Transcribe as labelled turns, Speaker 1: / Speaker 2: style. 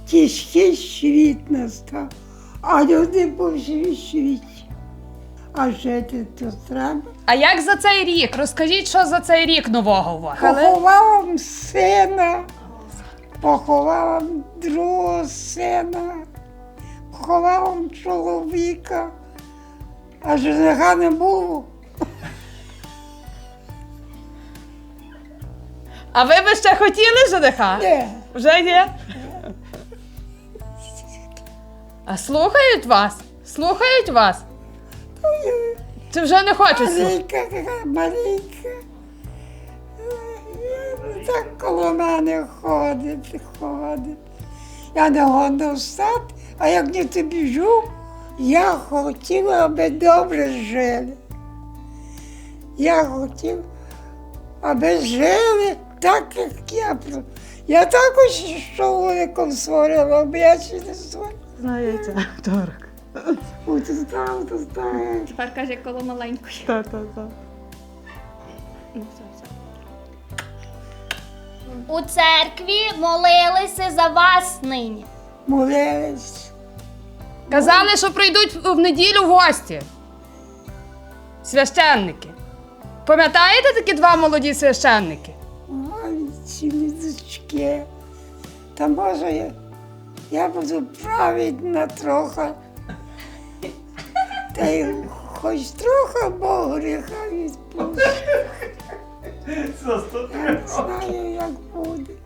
Speaker 1: тяжкий світ настав, а люди по всій світі. А жити то треба.
Speaker 2: А як за цей рік? Розкажіть, що за цей рік нового у вас?
Speaker 1: Поховала сина, поховала другого сина, поховала чоловіка, а жениха не було.
Speaker 2: А ви би ще хотіли жениха?
Speaker 1: Ні.
Speaker 2: Вже є? А слухають вас? Слухають вас? Чи вже не хочуть слухати?
Speaker 1: Маленька, така маленька. Так коло мене ходить. Я не годна встати, а як не то біжу, я хотіла, аби добре жили. Я хотіла, аби жили так, як я. Я також чоловіком створила, аби я ще не створила.
Speaker 3: Знаєте, второк.
Speaker 1: Ой, ти знав.
Speaker 4: Тепер каже, коло маленької.
Speaker 3: Так.
Speaker 4: У церкві молилися за вас нині.
Speaker 1: Молились.
Speaker 2: Казали, що прийдуть в неділю в гості. Священники. Пам'ятаєте такі два молоді священники?
Speaker 1: Ой, ці дочки. Та може я буду праведна трохи. Та й хоч трохи Бог гріха відпустить. Я не знаю, як буде.